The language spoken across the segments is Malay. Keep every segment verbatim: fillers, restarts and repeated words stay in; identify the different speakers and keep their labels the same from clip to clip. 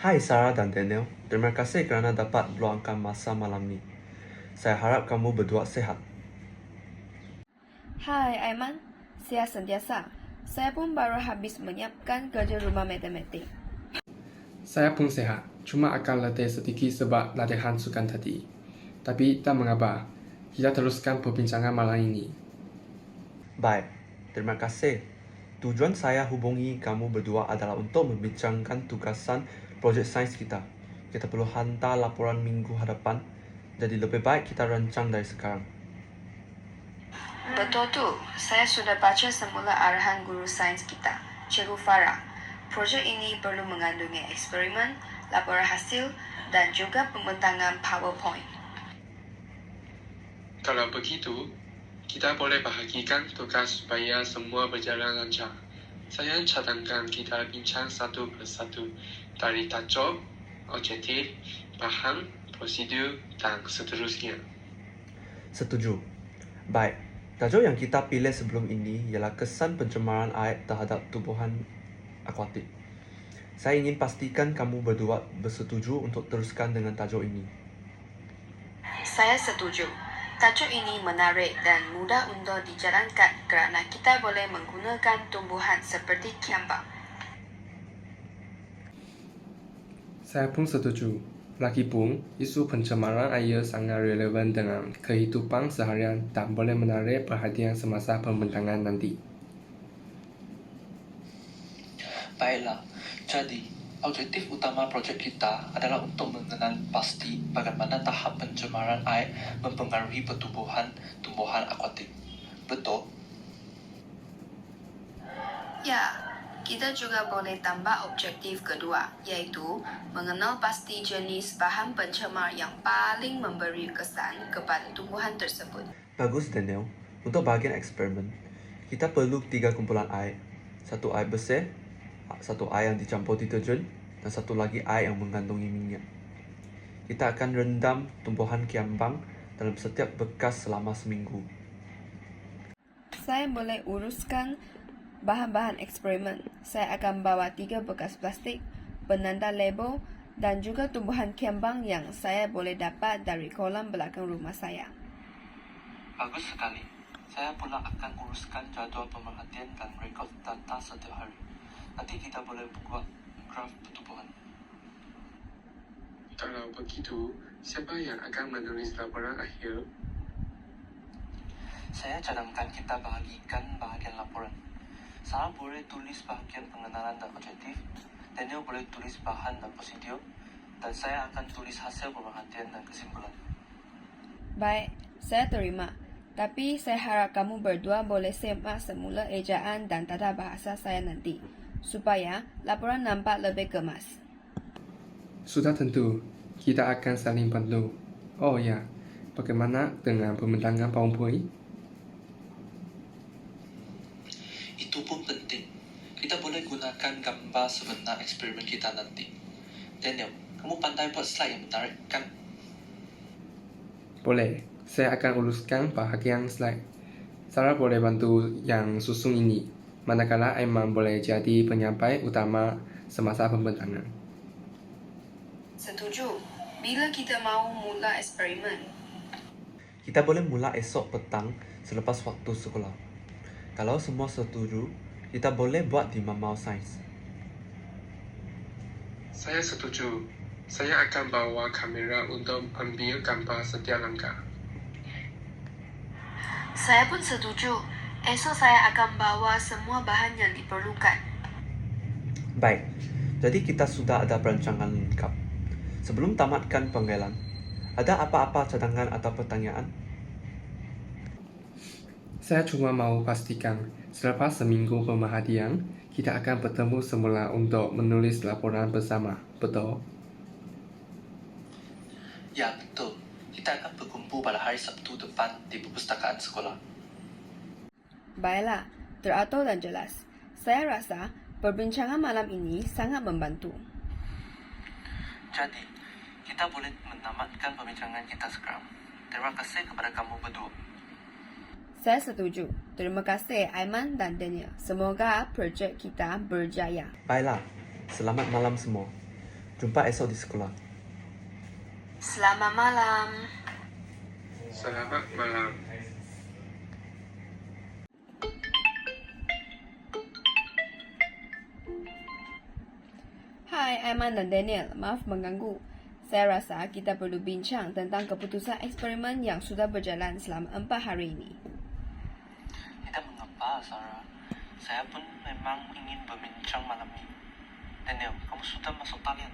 Speaker 1: Hai Sarah dan Daniel, terima kasih kerana dapat meluangkan masa malam ni. Saya harap kamu berdua sehat.
Speaker 2: Hai Aiman, saya sentiasa. Saya pun baru habis menyiapkan kerja rumah matematik.
Speaker 3: Saya pun sehat, cuma akan letih sedikit sebab latihan sukan tadi. Tapi tak mengapa, kita teruskan perbincangan malam ini.
Speaker 1: Baik, terima kasih. Tujuan saya hubungi kamu berdua adalah untuk membincangkan tugasan projek sains kita. Kita perlu hantar laporan minggu hadapan, jadi lebih baik kita rancang dari sekarang.
Speaker 2: Betul tu, saya sudah baca semula arahan guru sains kita, Cikgu Farah. Projek ini perlu mengandungi eksperimen, laporan hasil dan juga pembentangan PowerPoint.
Speaker 3: Kalau begitu, kita boleh bahagikan tugas supaya semua berjalan lancar. Saya cadangkan kita bincang satu persatu dari tajuk, objektif, bahan, prosedur dan seterusnya.
Speaker 1: Setuju. Baik, tajuk yang kita pilih sebelum ini ialah kesan pencemaran air terhadap tumbuhan akuatik. Saya ingin pastikan kamu berdua bersetuju untuk teruskan dengan tajuk ini.
Speaker 2: Saya setuju. Tajuk ini menarik dan mudah untuk dijalankan kerana kita boleh menggunakan tumbuhan seperti kiambang.
Speaker 3: Saya pun setuju. Lagipun, isu pencemaran air sangat relevan dengan kehidupan seharian dan boleh menarik perhatian semasa pembentangan nanti.
Speaker 4: Baiklah, jadi objektif utama projek kita adalah untuk mengenal pasti bagaimana tahap pencemaran air mempengaruhi pertumbuhan tumbuhan akuatik. Betul?
Speaker 2: Ya, kita juga boleh tambah objektif kedua, iaitu mengenal pasti jenis bahan pencemar yang paling memberi kesan kepada tumbuhan tersebut.
Speaker 1: Bagus Daniel, untuk bahagian eksperimen, kita perlu tiga kumpulan air. Satu air bersih, satu air yang dicampur deterjen, dan satu lagi air yang mengandungi minyak. Kita akan rendam tumbuhan kiambang dalam setiap bekas selama seminggu.
Speaker 2: Saya boleh uruskan bahan-bahan eksperimen. Saya akan bawa tiga bekas plastik, penanda label dan juga tumbuhan kiambang yang saya boleh dapat dari kolam belakang rumah saya.
Speaker 4: Bagus sekali. Saya pula akan uruskan jadual pemerhatian dan rekod data setiap hari. Nanti kita boleh buat graf pertumbuhan.
Speaker 3: Kalau begitu, siapa yang akan menulis laporan akhir?
Speaker 4: Saya cadangkan kita bahagikan bahagian laporan. Sarah boleh tulis bahagian pengenalan dan objektif, Daniel boleh tulis bahan dan prosedur, dan saya akan tulis hasil pemerhatian dan kesimpulan.
Speaker 2: Baik, saya terima. Tapi saya harap kamu berdua boleh semak semula ejaan dan tata bahasa saya nanti, supaya laporan nampak lebih kemas.
Speaker 3: Sudah tentu, kita akan saling bantu. Oh ya, bagaimana dengan pembentangan PowerPoint?
Speaker 4: Itu pun penting. Kita boleh gunakan gambar sebenar eksperimen kita nanti. Daniel, kamu pandai buat slide yang menarik, kan?
Speaker 3: Boleh, saya akan uruskan bahagian slide. Sarah boleh bantu yang susun ini, manakala Aiman boleh jadi penyampai utama semasa pembentangan.
Speaker 2: Setuju. Bila kita mahu mula eksperimen?
Speaker 1: Kita boleh mula esok petang selepas waktu sekolah. Kalau semua setuju, kita boleh buat di Mamau Sains.
Speaker 3: Saya setuju. Saya akan bawa kamera untuk ambil gambar setiap langkah.
Speaker 2: Saya pun setuju. Esok saya akan bawa semua bahan yang diperlukan.
Speaker 1: Baik, jadi kita sudah ada perancangan lengkap. Sebelum tamatkan penggailan, ada apa-apa cadangan atau pertanyaan?
Speaker 3: Saya cuma mau pastikan, selepas seminggu pemerhatian, kita akan bertemu semula untuk menulis laporan bersama, betul?
Speaker 4: Ya, betul. Kita akan berkumpul pada hari Sabtu depan di perpustakaan sekolah.
Speaker 2: Baiklah, teratur dan jelas. Saya rasa perbincangan malam ini sangat membantu.
Speaker 4: Jadi, kita boleh menamatkan perbincangan kita sekarang. Terima kasih kepada kamu berdua.
Speaker 2: Saya setuju. Terima kasih Aiman dan Daniel. Semoga projek kita berjaya.
Speaker 1: Baiklah, selamat malam semua. Jumpa esok di sekolah.
Speaker 2: Selamat malam.
Speaker 3: Selamat malam.
Speaker 2: Hai, Aiman dan Daniel. Maaf mengganggu. Saya rasa kita perlu bincang tentang keputusan eksperimen yang sudah berjalan selama empat hari ini.
Speaker 4: Tidak mengapa, Sarah. Saya pun memang ingin berbincang malam ini. Daniel, kamu sudah masuk talian?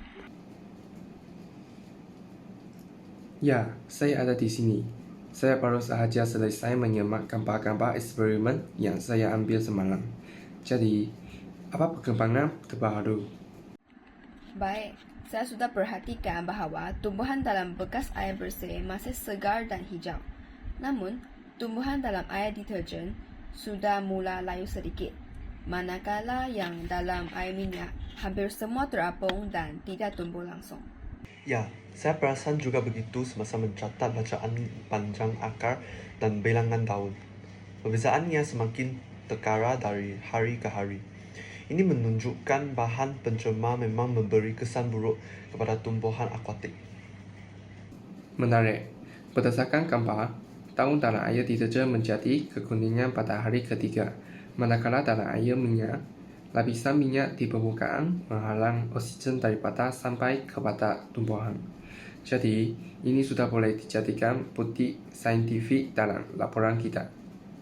Speaker 5: Ya, saya ada di sini. Saya baru sahaja selesai menyemak gambar-gambar eksperimen yang saya ambil semalam. Jadi, apa perkembangan terbaru?
Speaker 2: Baik, saya sudah perhatikan bahawa tumbuhan dalam bekas air bersih masih segar dan hijau. Namun, tumbuhan dalam air deterjen sudah mula layu sedikit. Manakala yang dalam air minyak hampir semua terapung dan tidak tumbuh langsung.
Speaker 1: Ya, saya perasan juga begitu semasa mencatat bacaan panjang akar dan bilangan daun. Perbezaannya semakin terkara dari hari ke hari. Ini menunjukkan bahan pencemar memang memberi kesan buruk kepada tumbuhan akuatik.
Speaker 5: Menarik. Berdasarkan gambar, daun dalam air deterjen menjadi kekuningan pada hari ketiga, manakala dalam air minyak, lapisan minyak di permukaan menghalang oksigen daripada sampai kepada tumbuhan. Jadi, ini sudah boleh dijadikan bukti saintifik dalam laporan kita.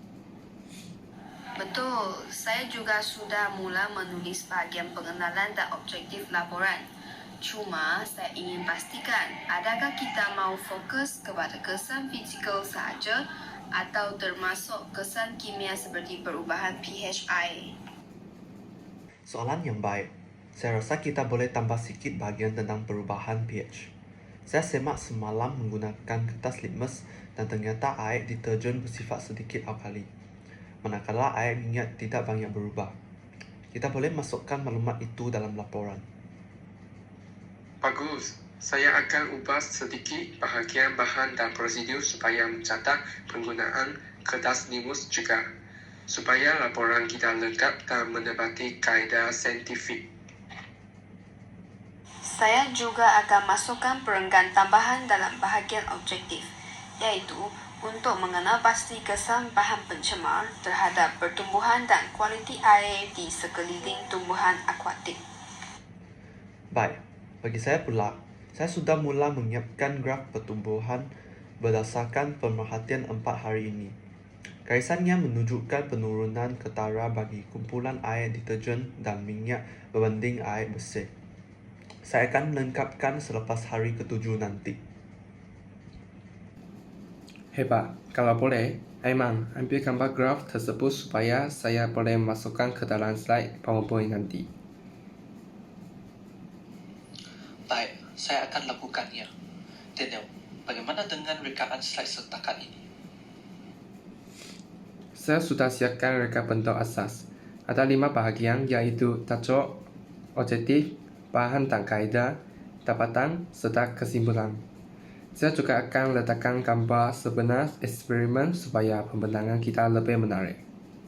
Speaker 2: Betul, saya juga sudah mula menulis bahagian pengenalan dan objektif laporan. Cuma, saya ingin pastikan adakah kita mau fokus kepada kesan fizikal sahaja atau termasuk kesan kimia seperti perubahan pH air.
Speaker 1: Soalan yang baik. Saya rasa kita boleh tambah sikit bahagian tentang perubahan pH. Saya semak semalam menggunakan kertas litmus dan ternyata air deterjen bersifat sedikit alkali. Manakala air minyak tidak banyak berubah. Kita boleh masukkan maklumat itu dalam laporan.
Speaker 3: Bagus. Saya akan ubah sedikit bahagian bahan dan prosedur supaya mencatat penggunaan kertas limus juga, supaya laporan kita lengkap dan menepati kaedah saintifik.
Speaker 2: Saya juga akan masukkan perenggan tambahan dalam bahagian objektif, iaitu untuk mengenal pasti kesan bahan pencemar terhadap pertumbuhan dan kualiti air di sekeliling tumbuhan akuatik.
Speaker 1: Baik, bagi saya pula, saya sudah mula menyiapkan graf pertumbuhan berdasarkan pemerhatian empat hari ini. Garisannya menunjukkan penurunan ketara bagi kumpulan air deterjen dan minyak berbanding air bersih. Saya akan melengkapkan selepas hari ketujuh nanti.
Speaker 5: Hebat. Kalau boleh, Aiman, ambil gambar graf tersebut supaya saya boleh masukkan ke dalam slide PowerPoint nanti.
Speaker 4: Baik, saya akan lakukannya. Daniel, bagaimana dengan rekaan slide setakat ini?
Speaker 5: Saya sudah siapkan reka bentuk asas. Ada lima bahagian iaitu tajuk, objektif, bahan dan kaedah, dapatan serta kesimpulan. Saya juga akan letakkan gambar sebenar eksperimen supaya pembentangan kita lebih menarik.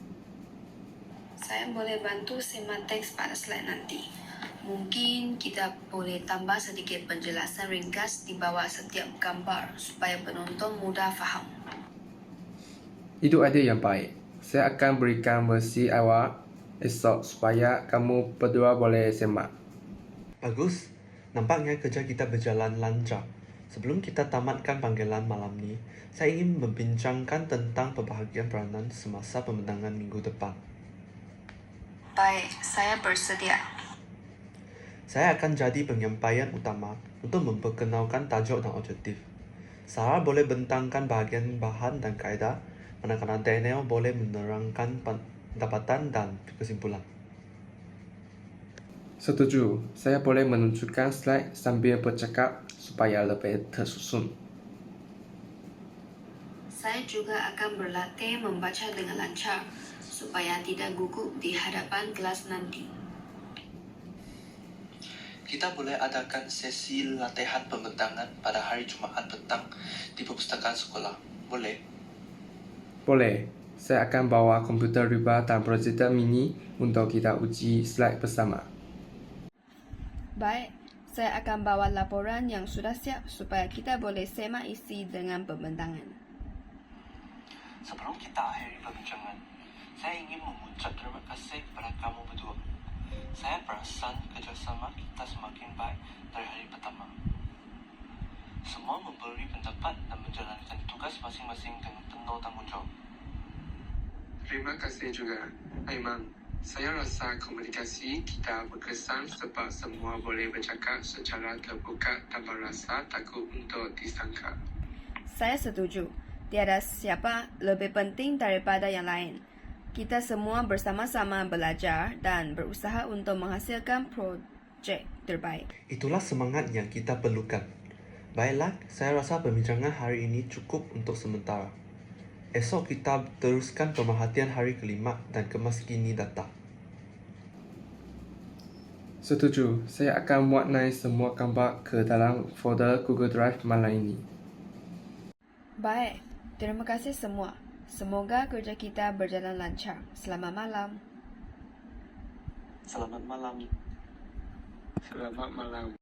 Speaker 2: Saya boleh bantu simak teks pada slide nanti. Mungkin kita boleh tambah sedikit penjelasan ringkas di bawah setiap gambar supaya penonton mudah faham.
Speaker 5: Itu ide yang baik. Saya akan berikan versi awal esok supaya kamu berdua boleh semak.
Speaker 1: Bagus, nampaknya kerja kita berjalan lancar. Sebelum kita tamatkan panggilan malam ni, saya ingin membincangkan tentang pembahagian peranan semasa pembentangan minggu depan.
Speaker 2: Baik, saya bersedia.
Speaker 1: Saya akan jadi penyampaian utama untuk memperkenalkan tajuk dan objektif. Sarah boleh bentangkan bahagian bahan dan kaedah, manakala Daniel boleh menerangkan pendapatan dan kesimpulan.
Speaker 5: Setuju, saya boleh menunjukkan slide sambil bercakap supaya lebih tersusun.
Speaker 2: Saya juga akan berlatih membaca dengan lancar supaya tidak gugup di hadapan kelas nanti.
Speaker 4: Kita boleh adakan sesi latihan pembentangan pada hari Jumaat petang di perpustakaan sekolah. Boleh?
Speaker 5: Boleh. Saya akan bawa komputer riba dan projektor mini untuk kita uji slide bersama.
Speaker 2: Baik, Saya akan bawa laporan yang sudah siap supaya kita boleh semak isi dengan pembentangan.
Speaker 4: Sebelum kita akhiri perbincangan, saya ingin mengucap terima kasih kepada kamu berdua. Saya perasan kerjasama kita semakin baik dari hari pertama. Semua memberi pendapat dan menjalankan tugas masing-masing dengan penuh tanggungjawab.
Speaker 3: Terima kasih juga, Aiman. Saya rasa komunikasi kita berkesan sebab semua boleh bercakap secara terbuka tanpa rasa takut untuk disangka.
Speaker 2: Saya setuju. Tiada siapa lebih penting daripada yang lain. Kita semua bersama-sama belajar dan berusaha untuk menghasilkan projek terbaik.
Speaker 1: Itulah semangat yang kita perlukan. Baiklah, saya rasa perbincangan hari ini cukup untuk sementara. Esok kita teruskan pemerhatian hari kelima dan kemas kini data.
Speaker 5: Setuju, saya akan muatnai semua gambar ke dalam folder Google Drive malam ini.
Speaker 2: Baik, terima kasih semua. Semoga kerja kita berjalan lancar. Selamat malam.
Speaker 4: Selamat malam.
Speaker 3: Selamat malam.